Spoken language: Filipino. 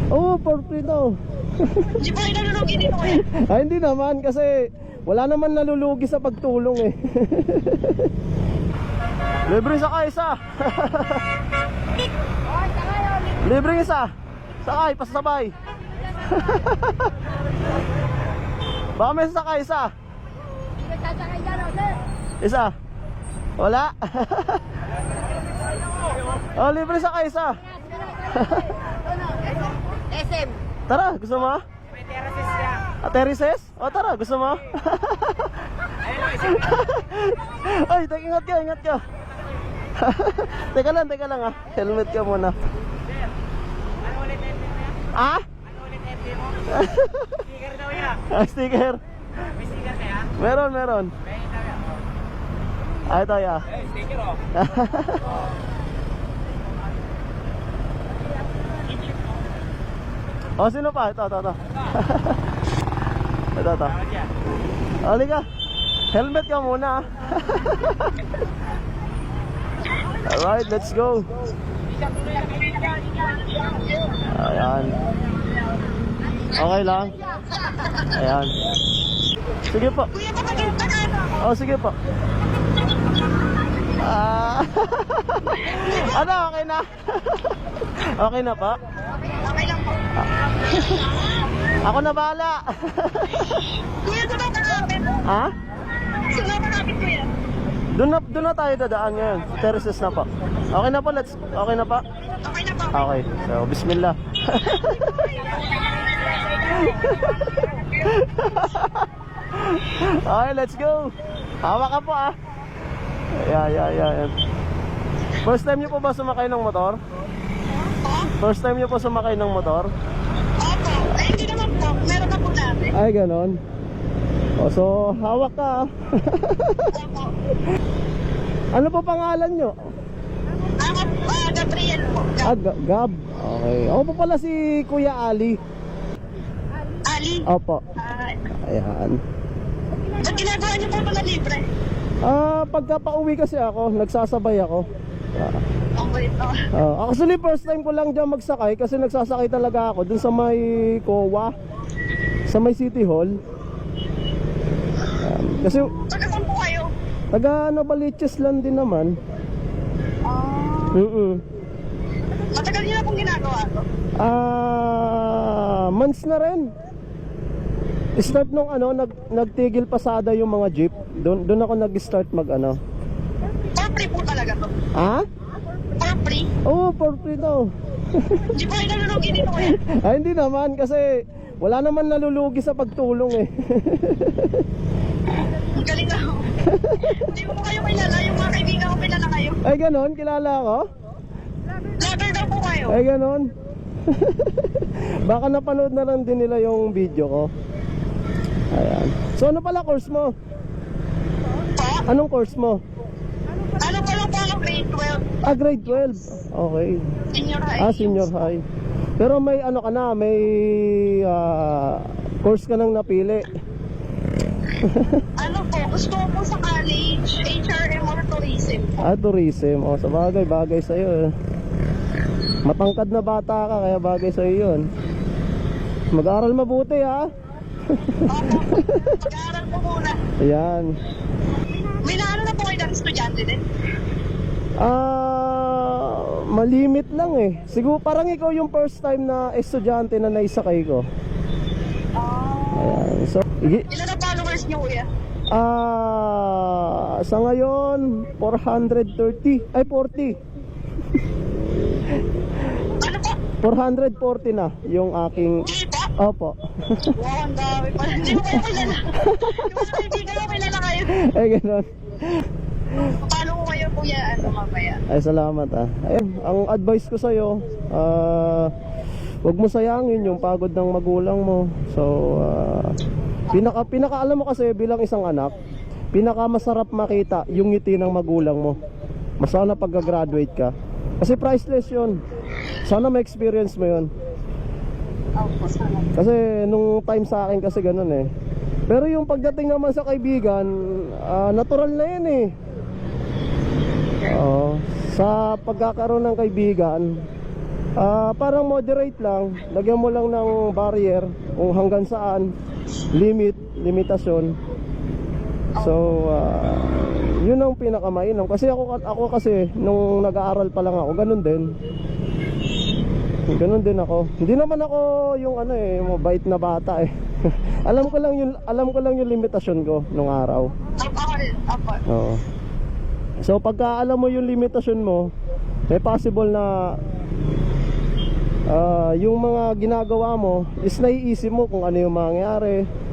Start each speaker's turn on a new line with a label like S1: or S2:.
S1: Oo, for free daw.
S2: Di ba inalulugi dito kuya?
S1: Ay, hindi naman kasi wala naman nalulugi sa pagtulong eh. Libre sakay isa. Libre isa. Sakay, pasabay. Baka may sakay isa. Isa. Wala. Oh, libre sakay isa.
S2: SM.
S1: Tara, gusto mo?
S2: May terraces yan.
S1: Terraces? O tara, gusto mo? Ay, ingat ka, ingat ka. Teka lang ah. Helmet ka muna.
S2: Ano ulit FB mo yan?
S1: Ah?
S2: Ano ulit FB mo? Sticker daw yan.
S1: Sticker.
S2: May sticker na yan?
S1: Meron.
S2: May itaw yan.
S1: Ay, ito ya.
S2: Sticker oh.
S1: Oh, sino pa? Ito. Ito.
S2: Tawad yan.
S1: Halika. Helmet ka muna. Alright, let's go. Ayan. Okay lang. Ayan. Sige po.
S2: Kuya, kapaganda ka ano?
S1: Oh, sige po. Ano, okay na? Okay na pa?
S2: Okay lang po.
S1: Ako na bahala.
S2: Kuya, saan ka nakapit?
S1: Ha?
S2: Saan ka nakapit kuya?
S1: Doon na tayo dadaan ngayon. Terraces na pa. Okay na pa, okay na pa?
S2: Okay na po.
S1: Okay. So, bismillah. Okay, let's go. Hawak ka po ah. Yeah. First time niyo po ba sumakay ng motor? First time niyo po sumakay ng motor?
S2: Opo. Ay, hindi naman po. Meron na po natin.
S1: Ay, ganon. O, so, hawak ka ah.
S2: Opo.
S1: Ano po pangalan nyo?
S2: Gabriel po.
S1: Gab. Okay. Ako po pala si Kuya Ali.
S2: Ali.
S1: Opo. Ayan.
S2: Ba't ginagawa niyo po mga libre?
S1: Pagka pauwi kasi ako, nagsasabay ako.
S2: Okay po.
S1: Actually, first time ko lang dyan magsakay kasi nagsasakay talaga ako dun sa may COA, sa may City Hall. Kasi
S2: Taga saan po kayo?
S1: taga Novaliches lang din naman.
S2: Matagal niyo na pong ginagawa to?
S1: Months na rin. Start nung nagtigil pasada yung mga jeep. Doon ako nag-start mag
S2: For free po talaga to?
S1: Ha?
S2: For free?
S1: Oo, for free daw.
S2: Di ba inalulugi dito kuya?
S1: Ay, hindi naman kasi wala naman nalulugi sa pagtulong eh.
S2: Ang galing na ako. Hindi mo kayo kilala, yung mga kaibigan ko kilala kayo.
S1: Ay, ganon, kilala ko?
S2: Vlogger daw po kayo.
S1: Ay, ganon. Baka napanood na lang din nila yung video ko. Ayan. So, ano pala course mo?
S2: Po?
S1: Anong course mo?
S2: Ano pa lang po ako grade 12?
S1: Grade 12. Okay.
S2: Senior high.
S1: Senior high. Pero may ka na, may course ka nang napili.
S2: Ano po, gusto ko po sa college, HRM or tourism po.
S1: Tourism. O, sa bagay sa'yo eh. Matangkad na bata ka, kaya bagay sa'yo yun. Mag-aral mabuti ha.
S2: Opo, mag-aaral po muna.
S1: Ayan.
S2: May naano na po kayo ng estudyante din?
S1: Malimit lang eh. Siguro parang ikaw yung first time na estudyante na naisakay ko. Ayan. So,
S2: Ilan na followers niyo kuya?
S1: sa ngayon 430. Ay 40.
S2: Ano po?
S1: 440 na yung aking.
S2: Di ba?
S1: Opo.
S2: Wow, ang dami pa. Hindi mo kayo kilala. Yung mga kaibigan ko kilala kayo.
S1: Ay ganon.
S2: Paano ko kayo kuya? Ano mamaya?
S1: Ay salamat ah. Ayun, ang advice ko sa'yo, wag mo sayangin yung pagod ng magulang mo. So, pinaka alam mo kasi bilang isang anak, pinaka masarap makita yung ngiti ng magulang mo. Mas sana pagka-graduate ka. Kasi priceless yun. Sana ma-experience mo yun. Kasi nung time sa akin kasi ganun eh. Pero yung pagdating naman sa kaibigan, natural na yun eh. Sa pagkakaroon ng kaibigan, Parang moderate lang. Lagyan mo lang ng barrier kung hanggang saan, limitasyon. So, yun ang pinakamainam. Kasi ako kasi, nung nag-aaral pa lang ako, ganun din. Ganun din ako. Hindi naman ako yung mabait na bata eh. alam ko lang yung limitasyon ko nung araw.
S2: Apo.
S1: Oo. So pagka alam mo yung limitasyon mo, may possible na yung mga ginagawa mo is naiisip mo kung ano yung mangyayari,